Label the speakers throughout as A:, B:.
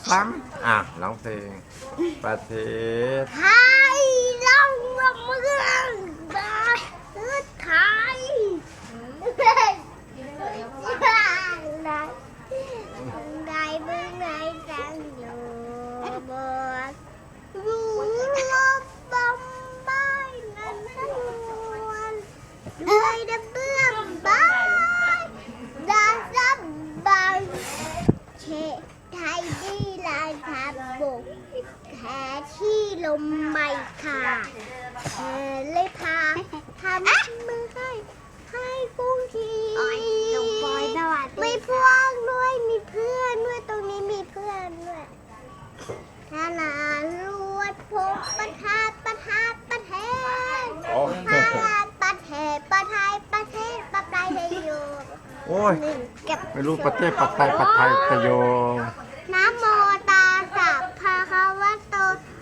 A: ฟังร้องเพลงประเทศ
B: ไทยเราเมืองประเทศไทยได้เมืองไหนจังอยู่บนรู้ลบบอมบายนั้นทั้งมวลด้วยดับเบื้องบายดาซับบายเชไทยดีลายทับบกแค่ที่ลมไม่ขาดเลยพาทำมือให้กุ้งทีไม่พวงด้วยมีเพื่อนด้วยตรงนี้มีเพื่อนด้วยทหารลวดพกประทัดประเทศทหารประเทศประไทยประเทศประไทยอยู่
A: โอ้ยไม่รู้ประเทศปัตไทยตะโย
B: นะโมตาสัพพะคะวะโต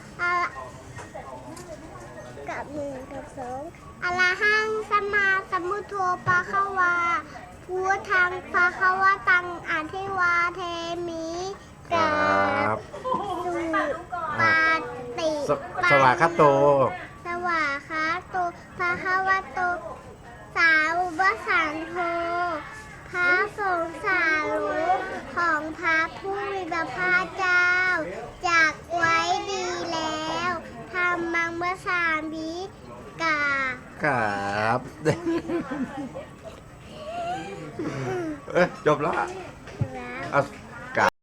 B: กับหนึ่งกับสองอะระหังสัมมาสัมพุทโธปะคะวาพุทธังปะคะวะตังอะทิวาเทมิกับสุปาติ
A: สวากขาโต
B: สวากขาโตปะคะวะโตสาวกสังโฆพระสงฆ์สาวกของพระผู้มีพระภาคเจ้าจากไว้ดีแล้วทำมังเมื่อสามวิกา
A: ครับจบแล้ว